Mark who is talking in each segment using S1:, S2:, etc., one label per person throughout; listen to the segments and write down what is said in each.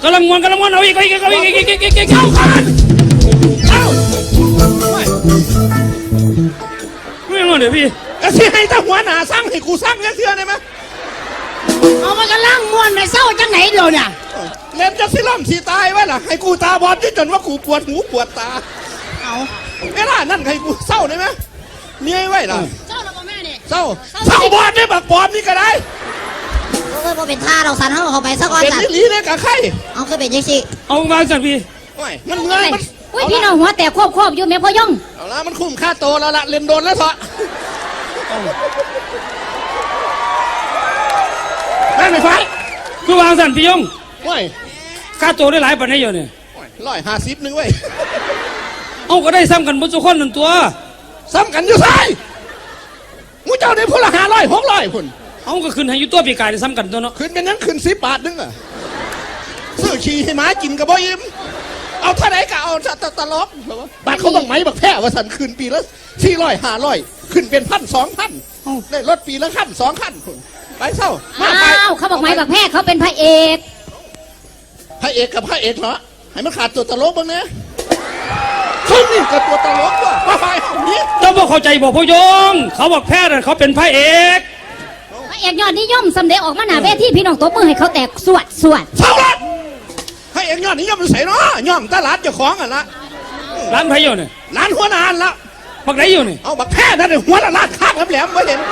S1: กำลังมวนเอาอีกเข้ากันไม่งอนเดี๋ยวพี่
S2: กระเสียให้ตาหัวหนาสร้างให้กูสร้างเสียได้ไหม
S3: เอามันกำลังม้วนไปเศร้าจังไหนเดี๋ยวเนี่ย
S2: เล่นจะสิล่ำสีตายไว้ล่ะให้กูตาบอดจนว่ากูปวดหูปวดตา
S3: เอา
S2: เวลานั่นให้กูเศร้าได้ไหมเมียไว้ล่ะ
S3: เศร้าแล้วพ่อแม่เนี่ย
S2: เศร้าบอดได้บักปอบนี่ก็ได้
S3: เออพอเป็นท่าเราสั่นเขาไปสักวัน
S2: เป็นนิลีเนี่ยกับใคร
S3: เอาคือเป็นยังสิ
S1: เอาวางสั่นพี่
S2: มันเมื่อยมัน
S3: อุ้ยพี่น้องหัวแต่ควบอยู่แม่พ่อย่อง
S2: เอาละมันคุ้มค่าโตแล้วละเล่นโดนแล้วเถอะนั่นไม่ฟ้า
S1: คือวางสั่นพี่ยง
S2: ว้ย
S1: ค่าตัวได้หลายปันให้เยอะเนี่ย
S2: 150นึงเว้ย
S1: เอาก็ได้ซ้ำกันบนสุข1ตัว
S2: ซ้ำกันอยู่ไสมูเจ้าได้พละ500 600พุ่น
S1: เอาก็ขึ้นให้อยู่ตัวปีกายได้ซ้ำกันตัวเนาะ
S2: ขึ้นเป็นนั้นขึ้น10 บาทนึงอ่ะซื้อขี่ให้หมากินกับบ่อิ่มเอาเท่าไหร่ก็เอาตลกบาทเขาต้องไหมบักแพ้ว่าสันขึ้นปีละ400 500ขึ้นเป็น1,000 2,000ได้รถปีละคัน2 คันไปเศร้า
S3: เขาบอกไหมบักแพ้เขาเป็นพระเอก
S2: กับพระเอกเหรอให้มันขาดตัวตลกบ้างนะเขานี่กับตัวตลกว่ะไปนี่
S1: เจ้าบอกเข้าใจบอกพ่อยงเขาบอกแพทย์เขาเป็นพระเอก
S3: ยอดนิยมสำเร็จออกมาหน้าเวทีพี่น้องตบมือให้เขาแตกสวด
S2: เศร้าละให้เอกยอดนิยมใส่เนาะย่อมตลาดเจ้าของอ่ะละ
S1: ร้านไผ่อยู่เนี่ย
S2: ร้านหัวนานละ
S1: บักไหนอยู่เนี่ย
S2: เอาบักแพ้นั่นหัวละลาดข้างแหลมไม่เห็น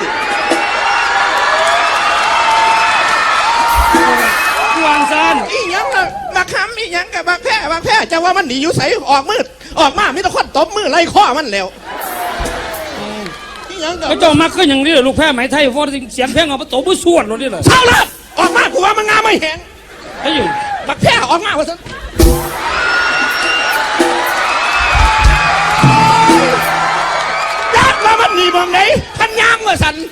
S1: วางซาน
S2: อีหยังละบักคำอีหยังกับบักแพ้จะว่ามันหนีอยู่ใส่ออกมืดออกมาไม่ต้องคดตบมือไล่ข้อมันแล้วอีหยังกับ
S1: เขาเจ้ามาขึ้นอย่างนี้ลูกแพ้ไหมไทยฟอร์เสียงเพลงเอาประตูบุษวดเลยเหรอ
S2: เศร้าละออกมากูว่ามันงามไม่แห้ง
S1: ไอ้อยู่
S2: บักแพ้ออกมาว่าสันยัดมามันหนีมองไหนพันยางว่าสัน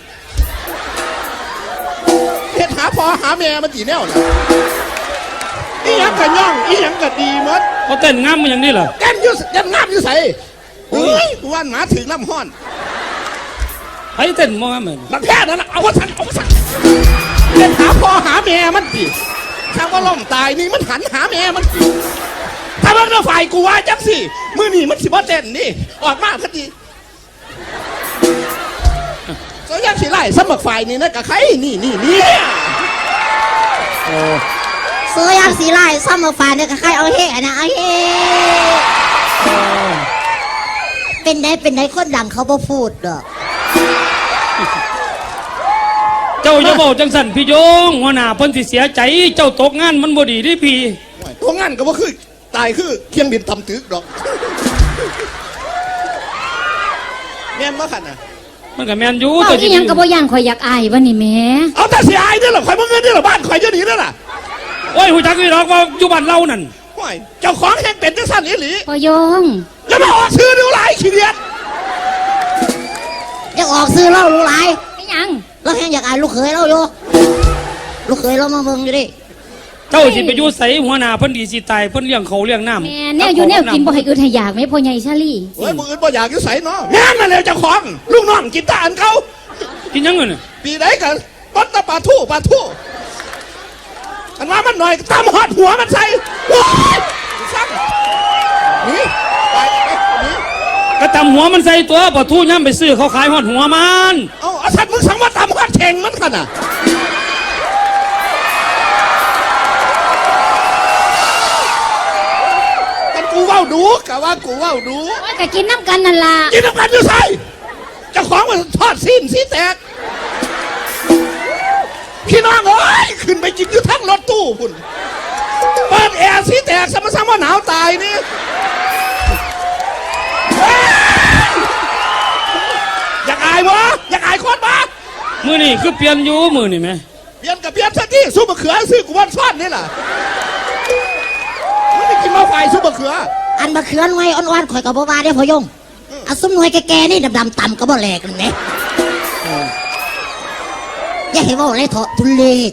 S2: เห็ดหาพอหาแม่มันจีแนวนะอีหยังกับย่องอีหยังกับดีมัด
S1: เขาเต้นงามมันอย่างนี้เหรอ
S2: เต้นยุ่ยันงามยุ่ใส่เฮ้ยวันหมาถึงน้ำห้อน
S1: ไอ้เต้นมองเหมือน
S2: บักแพ้นั่นแหละเอาว่าสันเห็ดหาพอหาแม่มันจีถ้าว่าล่มตายนี่มันหันหาแม่มันจีถ้ามันก็ฝ่ายกูว่าจังสิมือนี่มันสิบ่เต้นนี่ออกมาพอดีก็ยังสิไล่สมัครฝ่ายนี่นะกับใครนี่
S3: เสือยังสีไล่สมัครฝ่ายเนี่ยกับใครเอาเฮ่นะเอาเฮ่เป็นได้คนดังเขาบ่พูดหรอก
S1: เจ้าจะบอกจังสันพี่ยงหัวหน้าเพิ่นสิเสียใจเจ้าตกงานมันบ่ดีดิพี่
S2: ตกงานก็บ่คือตายคือเคียงบินทำตึกดอกแม่นบ่ขันน่ะ
S1: มันก็แมนอยู่
S3: ตัวจริงยังกระโบย่างข่อยอยากอายวันนี้แม่
S2: เอาแต่เสียอายนี่หรอข่อยเมื่อเงินนี่หรอบ้านข่อยจะหนีนั่นน่ะ
S1: โอ้ยหูจักนี่หรอกว่าอยู่บ้านเรานั่น
S2: โอ้ยเจ้าของแห่งเป็นจังสันนี่หรือ
S3: พอยง
S2: แล้วมาออกซื้อดูหลายขี้เดียด
S3: อยากออกซื้อเล่าดูหลายไม่ยังเราแห่งอยากอายลูกเขยเราอยู่ลูกเขยเรามาเบิ่งอยู่ดิ
S1: เจ้าสิไปอยู่ใส่หัวหน้าเพิ่นดีสิตายเพิ่นเลี้ยงเขาเลี้ยงน้ำ
S3: แม่แนวอยู่แนวกินบ่ให้อึดให้อยากไหมพ่อใหญ่ชาลี่
S2: โอ้ยมึงอึดบ่อยากอยู่ใส่เนาะแม่นั่นแหละเจ้าของลูกน้องกินตาอันเขา
S1: กินยังไงเนี่ย
S2: ปีไหนกันต้นตะปลาทู่อันว่ามันหน่อยตามหอดหัวมันใส่ว้ายซ้ำนี่ไปนี่
S1: ก็ตำหัวมันใส่ตัวปลาทูย่ำไปซื้อเขาขายหอดหัวมัน
S2: เอาสัตว์มึงสั่งว่าตามหอดเข่งมันกันอ่ะกูว่าดูกะว่ากูว่าดู
S3: กะกินน้ำกันนั่นล่ะ
S2: กินน้ำกันอยู่ใส่เจ้าของมันทอดซีนสีแตกพี่น้องเอ้ยขึ้นไปกินอยู่ทั้งรถตู้คุณเปิดแอร์สีแตกซ้ำว่าหนาวตายนี่อยากอายคนปะ
S1: มือนี่คือเปลี่ยนอยู่มือนี่ไหม
S2: เปลี่ยนซะที่ซุปมะเขือซื้อกูวันซ้อนนี่แหละไม่กินมาไฟซุปมะเขือ
S3: อันมะเขือหน่วยอ่อนๆข่อยกับบ่มาได้พอยงเอาซุปหน่วยแก่ๆนี่ดำๆต่ำก็บ่แหลกเลยไหมอย่าให้ว่าอะไรเถอะทุเรศ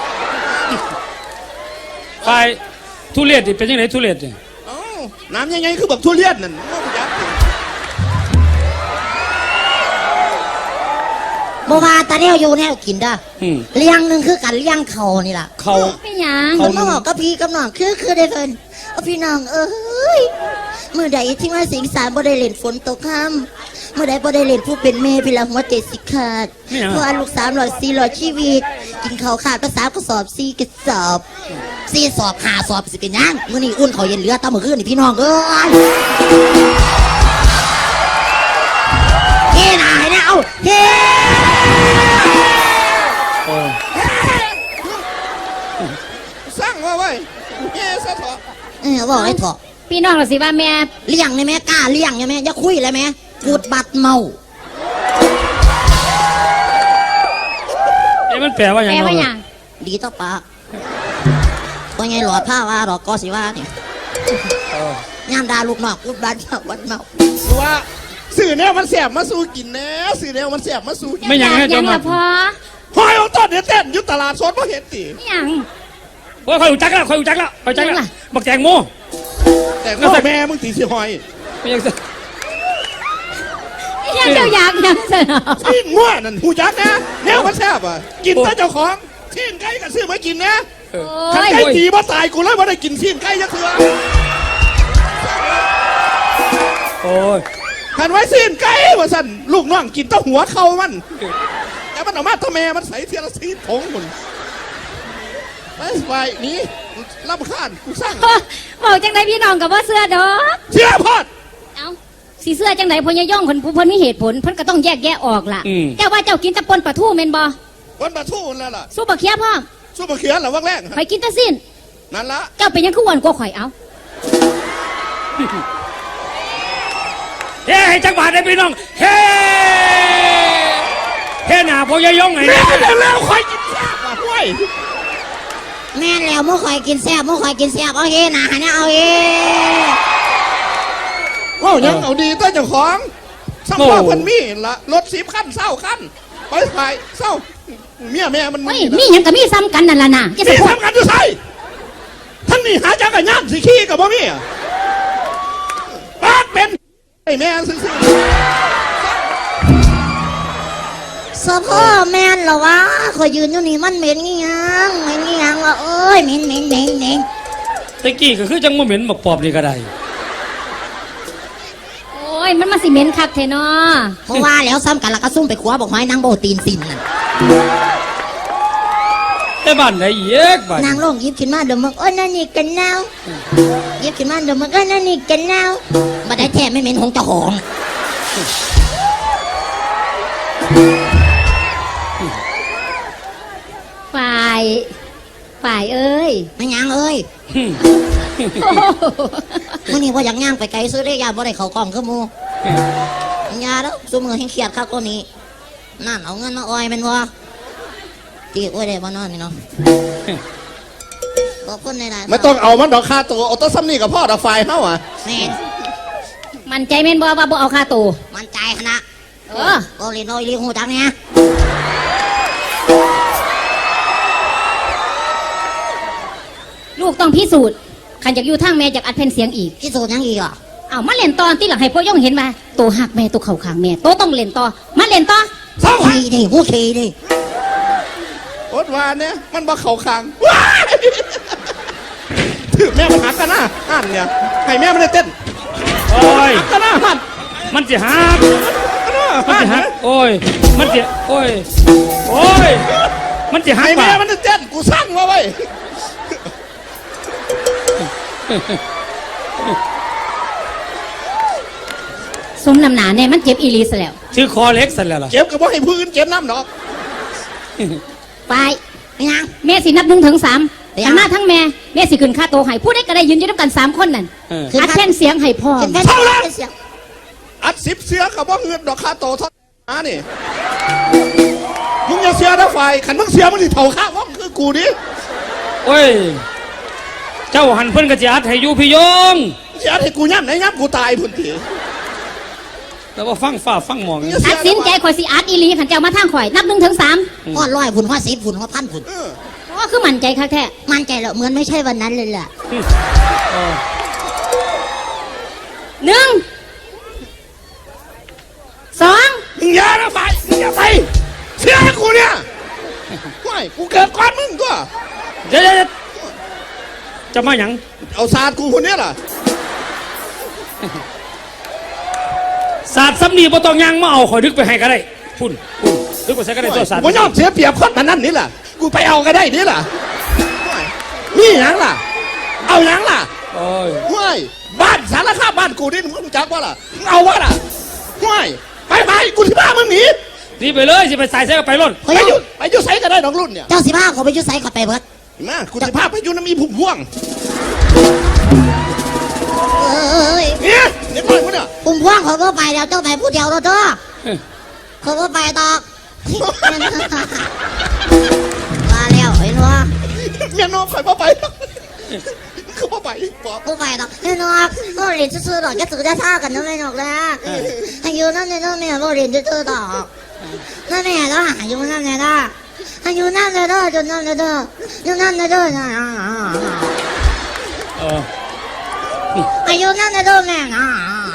S1: ไฟทุเรศดิเป็นยังไงทุเรศเนี่ย
S2: น้ำยังไงคือแบบทุเรียนนั่น
S3: บ่ว่าตาแนวอยู่แนวกินเด้อ
S1: อืม
S3: เลี้ยงหนึงคือกันเลี้ยงเขานี่ล่ะ
S1: เขา
S4: เป็นหยัง
S3: มันมาบอกกับพี่กับน้องคือได้เพิ่นเอาพี่น้องเอ้ยมื้อใดที่มาสิงสารบ่ได้เล่นฝนตกค่ำมื้อใดบ่ได้เล่นผู้เป็นแม่พี่ละหัวใจสิขาดเพราะว่าลูก300 400ชีวิต กินข้าวขาดภาษากระสอบ4กระสอบ4สอบ5สอบสิเป็นหยังมื้อนี้อุ่นข้าวเย็นเหลือตามมื้อคืนนี่พี่น้องเอ้ยเฮ้น่ะให้นะเอาเฮ้
S1: โอ้
S2: สร้างว่าไว้แง่ซะเถอะ
S3: บอกให้เถอะ
S4: พี่น้องเราสิว่าแม่
S3: เลี้ยงได้ไหมกล้าเลี้ยงได้ไหมอย่าคุยเลยไหมกูดบัดเมา
S1: เอ้มันแปลว่าหยัง
S4: แม่ว่าห
S1: เนาะ
S4: ยัง
S3: ดีต่อปากว่าไงหลอดผ้าว่าดอกกอสิว่าเนี่ยย่ามดาลูกนอกกูดบัดเมาบัดเมา
S2: ว่าสื่อแนวมันแสบมาสู้กินแน่สื่อแนวมันแสบมาสู้กิน
S1: ไม่หยังให้
S4: ยั
S1: เจ้าง มา
S4: ละพอ
S2: หอยของต้นเนี่ยเต้นอยู่ตลาดสดเพราะเห็นตี
S4: ไม่หยัง
S1: โอ้ยคอยรู้จักแล้วคอยรู้จักแล้วคอยรู้จักแล้วบักแตงโม
S2: แต่ก็แม่มึงตีสิหอย
S1: ไม่ยัง
S4: ยังเจ้าอยากยังสนอ
S2: ที่ง่วนั่นหูจักนะแนวมันแสบอ่ะกินแต่เจ้าของที่ไก่กับซื้อมากินนะ
S4: โอ้
S2: ขัน
S4: ย
S2: ไก่ตีมาตายกูเลยว่าได้กินที่ไก่ยักษ์เถื่อ
S1: โอ้ย
S2: ขันไว้ซีนไก่ว่าสั่นลูกน้องกินแต้หัวเขามันแต่มันออกมาทำแม่มันใส่เทียละซีผงหมดไปนี้รำคาญกูสร้าง
S4: บอกจังไดพี่น้องกับว่าเสื้อดอก
S2: เชื่อพอด
S4: เอ้าสีเสื้อจังไดพญาย่องคนผู้เพิ่นมีเหตุผลเพิ่นก็ต้องแยกแยะออกล่ะเจ้าว่าเจ้ากินแตะปนปลาทูแม่นบ่
S2: วันมาทู่แล้วล่ะ
S4: สู้บักเคียพ่อม
S2: สู้มาเขียนหรอวักแรก
S4: ข่อยกินแตะสิ้น
S2: นั่นละ
S4: เจ้าเป็นหยังคืออ้วนกว่าข่อยเอ้า
S1: เฮ้ให้จักบาทได้พี่น้องเฮ้เฮ้หน้าพ่อยายงไง
S2: แม่
S1: เนี่ย
S2: แล้วคอยกินแซ่บอ่ะห้วย
S3: แม่นแล้วมุกคอยกินแซ่บมุกคอยกินแซ่บเอาเฮนะให้นะเอาเฮ
S2: ว้าวยังเอาดีต้นเจ้าของสัมภาษณ์คนมีละรถ10 ขั้นเศร้าขั้นไปถ่ายเศร้าเมียแม่มัน
S4: เฮ้ยมีหยังก็มีซ้ำกันนั่นล่ะนะจะไป
S2: นี่
S4: พูด
S2: ทำกันจะใช่ทั้งนี้หาจักรยานสิขี้กับบ่มีอ่ะบ้านเป็นไอ้แม่ซื่อ
S3: สะพ่อแม่นเหรอวะคอยยืนอยู่นี่มันเหม็นงี้ยังเหม็นงี้ยังวะเอ้ยเหม็นเหม็นเหม็นเหม็น
S1: ตะกี้ก็คือจังว่าเหม็นบักปอบนี่ก็ได้
S4: โอ้ยมันมาสิเหม็นคักแท้เนาะ
S3: เพราะว่าแล้วซ้ำกันแล้วก็ซุ่มไปคว้าบอกไม้นางโบตีนสินนั่น
S1: แต่บ้านไหนเยกบ้าน
S3: นางลงหยิบขึ้นมาเดี๋ยวมึงโอ้ยนั่นนี่กันนาวหยิบขึ้นมาเดี๋ยวมึงโอ้ยนั่นนี่กันนาวบัดได้แท้ไม่เหม็นของเจ้าของ
S4: ฝ่ายเอ้ย
S3: ไม่ยังเอ้ย
S4: โอ้โห
S3: มื่อนี้ว่าอยากย่างไปไกลซื้อได้ยาบ่ได้เขากล่องคือหมูยาแล้วสู้มือให้เครียดครับตัวนี้นั่นเอาเงินมาอ้อยแมันวะตีอ้อยได้บ่นอนนี่เนาะขอบคุณในหลาย
S2: ๆไม่ต้องเอามันดอกค่าตัวเอาตัวซ้ำนี่กับพ่อดอกไฟเฮาอ่ะ
S3: แม่
S4: มันใจแม่นบ่ว่าบ่เอาค่าตัว
S3: มันใจขนาด
S4: เออ
S3: โอลินโอยลีหูจักเนี่ย
S4: ลูกต้องพิสูจน์ขันจากอยู่ทางแม่จากอัดเพนเสียงอีก
S3: ที่สุดยังอีกอ่ะ
S4: เอามาเล่นตอนที่หลังให้พ่อย่องเห็นมาโตหักแม่โตเข่าขางแม่โตต้องเล่นต่อมาเล่นต่อ
S2: เศร้า
S3: ขี่ดิหูขี่ดิ
S2: อดวานเนี่ยมันบ่เข้าคางว้ายถือแม่มันหักกันหน้าหันเนี่ยให้แม่มันได้เต้น
S1: โอ้ย
S2: หักกันหน้าหัน
S1: มันจะหัก
S2: หัน
S1: มันจะหั
S2: หั
S1: ก
S2: น
S1: โอ้ยมันจะโอ้ยโอ้ยมันจะหัก
S2: ให้แม่
S1: ป่ะ
S2: มันได้เต้นกูสั่งมาไว้
S4: สมน้ำหนาเนี่ยมันเจ็บอีหลีซะแล้ว
S1: ชื่อคอเล็กสันแล้วล่ะ
S2: เก็บกับว่าให้พื้นเก็บน้ำดอก
S4: ไป
S3: ไม่ยัง
S4: แม่สินับ1 ถึง 3ทั้งหน้าทั้งแม่แม่สิขึ้นค่าโตวให้ผู้ใดก็ได้ยืนอยู่ด้วยกัน3 คนนั่น
S1: เออ
S4: อัดเพนเสียงให้พ่อ
S3: เป็นแพทย์เป็นเสียง
S2: อัด10 เสือกับว่าเงินดอกค่าโตเท่ามานี่มึงอย่าเสือนะไฟขันมึงเสือมึงสิเท่าข้าว่องคือกูดิ
S1: โอ้ยเจ้าหันเพิ่นกระจาดให้อยู่พี่ยง
S2: เสือให้กูย่ำไหนย่ำกูตายพุ่นที
S1: แต่ว่าฟังฟ้าฟังหมอง
S4: ตัดสินใจข่อยสิอัดอีหลีขันเจ้ามาทางข่อยนับ1 ถึง 3
S3: พ่อร้อยฝุ่นพ่อ10ฝุ่นพ่อพันฝุ่น
S2: เออ
S4: ก็คือมั่นใจคักแท้
S3: มั่นใจแล้วเหมือนไม่ใช่วันนั้นเลยแหละ
S4: 1 2
S2: มึงอย่านะไฟมึงอย่าไปกูเนี่ยไม่กูเกิดก่อนมึงตัว
S1: เดี๋ยวจะมาหยัง
S2: เอาศาสตร์กูคนเนี้ยล่ะ
S1: ศาสตร์ซ้ำนี่บ่ต้องยังมาเอาข่อยดึกไปให้ก็ได้พุ่นดึกไปใส่ก็ได้ตัวศาสตร์
S2: กูยอมเสียเปรียบคนมันนั่นนี่ล่ะกูไปเอาก็ได้นี่ล่ะนี่หยังล่ะ เอาหยังล่ะ
S1: โอ้ย
S2: ห้วยบ้านสารคามบ้านกูนี่มึงรู้จักว่าล่ะมึงเอาวะล่ะห้วยไปกูที่บ้านมึงหนี
S1: นี่ไปเลยสิไปใส่ใส่ก็ไปร่น
S3: เฮ้ย
S2: ไปอยู่ไสก็ได้น้องรุ่นเนี่ย
S3: เจ้าสิพาเขาไปอยุ่ไสเขาไปเบิด
S2: มากูจะพาไปอยู่น้ำมีผุ่มพ่วง
S3: เอ้ย
S2: เนี่ยเด็กน้อยกูเนี่ย
S3: ปุ่มพ่วงเขาก็ไปแล้วเจ้าไปผู้เดียวแล้วเจ้าเขาก็ไปตอกมาแล้วเห็นว่า
S2: เมียน้องคอยพ่อไปคือพ่อไปบอก
S3: ผู้ไปตอกเห็นว่าเราเรียนซื่อๆดอกจะสื่อจะท่ากันนั่นไม่หนอกนะอายุนั่นเนี่ยนั่นแม่เราเรียนซื่อๆดอกนั่นแม่ก็อายุนั่นเนี่ยนะอายุนั่นเลยเด้อจนนั่นเลยเด้อจนนั่นเลยเด้อนะ
S1: เออ
S3: อายุนั่นเลยเด้อแม่นะ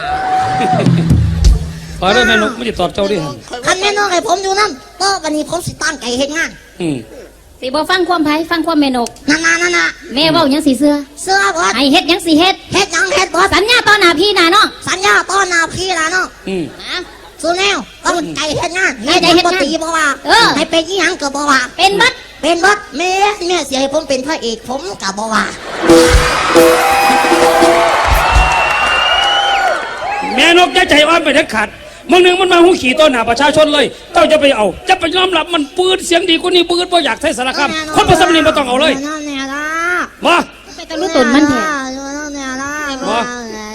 S1: ขอได้แม่นกไม่ได้ตอบเจ้าดิ
S3: คันแม่น้องให้ผมอยู่นั่นก็วันนี้ผมสิตั้งใจเฮ็ดงาน
S4: สิบ่ฟังความไผฟังความแม่นก
S3: นั่น
S4: แม่เว้าหยังสิเสื้อ
S3: เสื้อบอส
S4: ให้เฮ็ดหยังสิเฮ็ด
S3: เฮ็ดหยังเฮ็ดบอส
S4: สัญญาต่อหน้าพี่หน้าน้อง
S3: สัญญาต้อนหนาพี่นะเนาะ
S4: นะ
S3: สู้แนวต้องใจเฮ็ดงาน
S4: ให้ใจเฮ็ดงาน
S3: บ่ตีบ่ว่า
S4: เออ
S3: ให้เป็นอีหยังก็บ่ว่า
S4: เป็นบัด
S3: เป็นบอสแม่เสียให้ผมเป็นพระเอกผมก็บ่ว่า
S1: แม่นกจะใจอ่อนไปเด็ดขาดมึงหนึ่งมันมาหูขี่ต้นหาประชาชนเลยเจ้าจะไปเอาจะไปยอมรับมันปืนเสียงดีกว่านี้ปืนบ่อยากใช้สารคามคนประสมนีบ่ต้องเอาเลย
S3: นั่นแน่ล่ะ
S1: มา
S4: ไปตะลุตนมันแท้
S3: นั่นแน่ล่ะ
S1: บ่